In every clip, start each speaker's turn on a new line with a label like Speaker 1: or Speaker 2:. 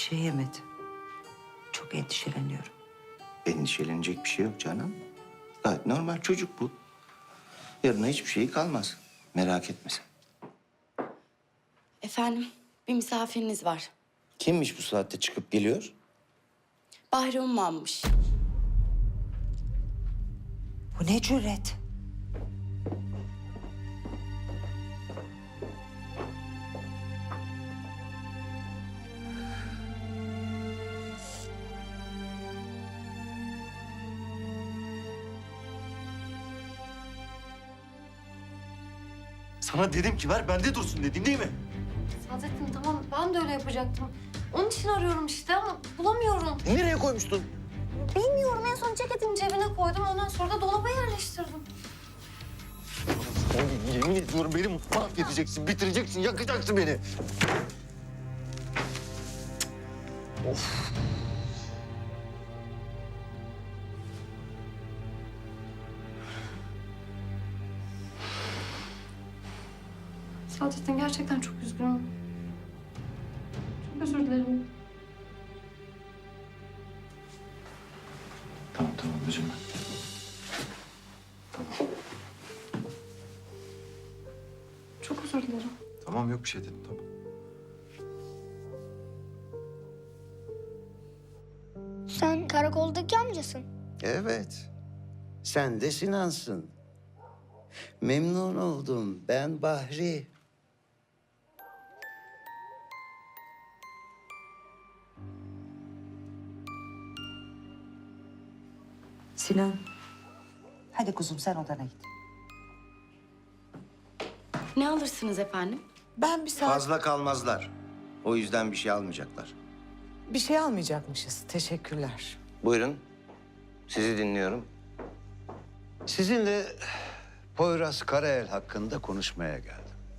Speaker 1: şey yemedi. Çok endişeleniyorum.
Speaker 2: Endişelenecek bir şey yok canım. Gayet normal, çocuk bu. Yarına hiçbir şey kalmaz. Merak etme sen.
Speaker 3: Efendim, bir misafiriniz var.
Speaker 2: Kimmiş bu saatte çıkıp geliyor?
Speaker 3: Bahri Umman'mış.
Speaker 1: Bu ne cüret?
Speaker 4: Sana dedim ki ver bende dursun dedim değil mi?
Speaker 5: Saadettin tamam ben de öyle yapacaktım. Onun için arıyorum işte ama bulamıyorum.
Speaker 4: Nereye koymuştun?
Speaker 5: Bilmiyorum en son ceketimin cebine koydum ondan sonra da dolaba yerleştirdim.
Speaker 4: Oğlum yemin ediyorum beni mahvedeceksin, bitireceksin, yakacaksın beni. Of.
Speaker 5: Saadettin gerçekten çok üzgünüm. Çok özür dilerim.
Speaker 4: Tamam üzülme.
Speaker 5: Çok özür dilerim.
Speaker 4: Tamam yok bir şey dedim tamam.
Speaker 6: Sen karakoldaki amcasın.
Speaker 2: Evet. Sen de Sinan'sın. Memnun oldum. Ben Bahri.
Speaker 1: Sinan. Hadi kuzum sen odana git.
Speaker 3: Ne alırsınız efendim?
Speaker 7: Ben bir saat
Speaker 2: Fazla kalmazlar. O yüzden bir şey almayacaklar.
Speaker 7: bir şey almayacakmışız. Teşekkürler.
Speaker 2: Buyurun. Sizi dinliyorum.
Speaker 8: Sizinle Poyraz Karayel hakkında konuşmaya geldim.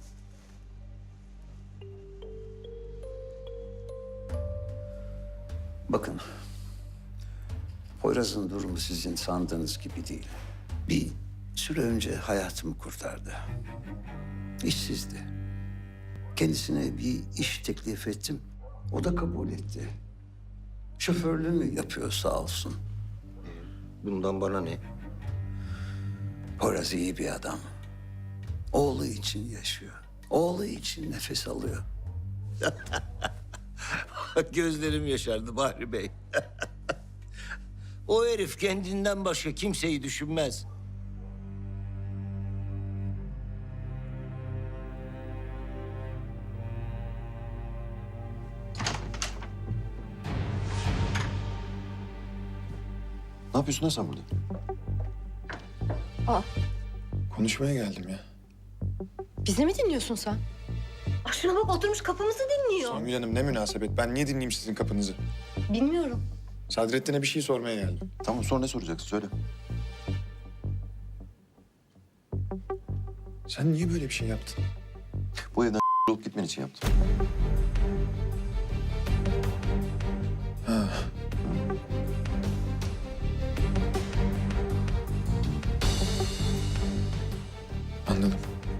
Speaker 8: Bakın, Poyraz'ın durumu sizin sandığınız gibi değil. Bir süre önce hayatımı kurtardı. İşsizdi. Kendisine bir iş teklif ettim. O da kabul etti. Şoförlüğünü yapıyor sağ olsun.
Speaker 2: Bundan bana ne?
Speaker 8: Poyraz iyi bir adam. Oğlu için yaşıyor. Oğlu için nefes alıyor.
Speaker 2: Gözlerim yaşardı Bahri Bey. O herif kendinden başka kimseyi düşünmez.
Speaker 4: Ne yapıyorsun lan sen burada?
Speaker 5: Aa.
Speaker 4: Konuşmaya geldim ya.
Speaker 5: Bizi mi dinliyorsun sen? Aa, şuna bak oturmuş kapımızı dinliyor.
Speaker 9: Songül Hanım ne münasebet. Ben niye dinleyeyim sizin kapınızı?
Speaker 5: Bilmiyorum.
Speaker 9: Sadrettin'e bir şey sormaya geldim.
Speaker 4: Tamam sonra ne soracaksın söyle.
Speaker 9: Sen niye böyle bir şey yaptın?
Speaker 4: Bu evden olup gitmen için yaptım.
Speaker 9: Ha. Anladım.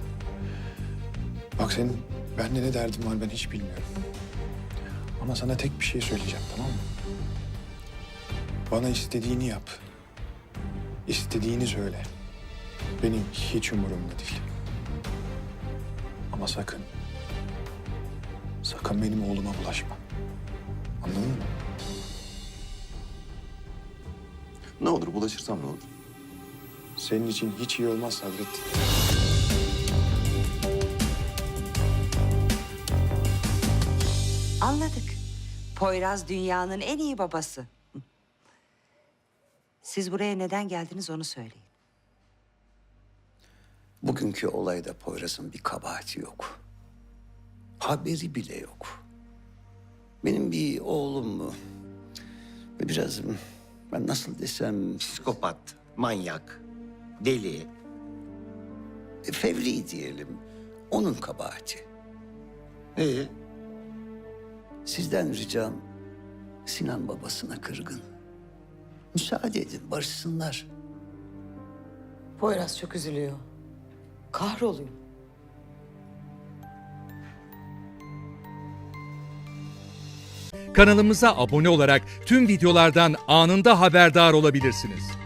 Speaker 9: Bak senin benimle ne derdin var ben hiç bilmiyorum. Ama sana tek bir şey söyleyeceğim tamam mı? Bana istediğini yap. İstediğini söyle. Benim hiç umurumda değil. Ama sakın, sakın benim oğluma bulaşma. Anladın mı?
Speaker 4: Ne olur bulaşırsam ne olur?
Speaker 9: Senin için hiç iyi olmaz Sadrettin.
Speaker 1: Anladık. Poyraz dünyanın en iyi babası. Siz buraya neden geldiniz onu söyleyin.
Speaker 8: Bugünkü olayda Poyraz'ın bir kabahati yok. Haberi bile yok. Benim bir oğlum mu? Ve biraz ben nasıl desem
Speaker 2: Psikopat, manyak, deli.
Speaker 8: fevri diyelim. Onun kabahati. Sizden ricam Sinan babasına kırgın. Müsaade edin barışsınlar.
Speaker 7: Poyraz çok üzülüyor. Kahroluyor.
Speaker 10: Kanalımıza abone olarak tüm videolardan anında haberdar olabilirsiniz.